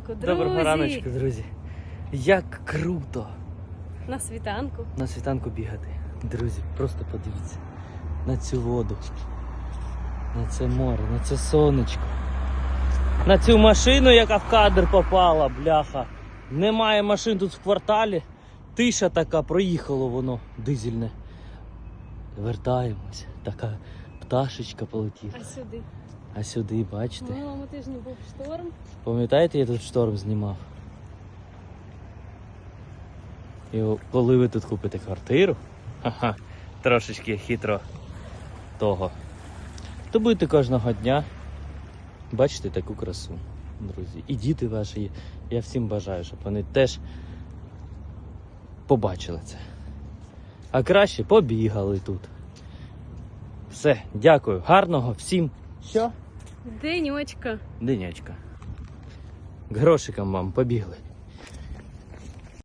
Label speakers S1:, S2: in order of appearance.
S1: ранку, друзі!
S2: Доброго раночку, друзі. Як круто
S1: На світанку.
S2: на світанку бігати. Друзі, просто подивіться на цю воду, на це море, на це сонечко, на цю машину, яка в кадр попала, бляха. Немає машин тут в кварталі. Тиша така, проїхало воно дизельне. Вертаємось, така пташечка полетіла.
S1: А сюди?
S2: А сюди, бачите?
S1: В минулому тижні був шторм.
S2: Пам'ятаєте, я тут шторм знімав? І коли ви тут купите квартиру, трошечки хитро того, то будете кожного дня бачити таку красу, друзі. І діти ваші, я всім бажаю, щоб вони теж побачили це. А краще побігали тут. Все, дякую, гарного всім. Що?
S1: Денечка.
S2: Денечка. Грошиком вам побігли.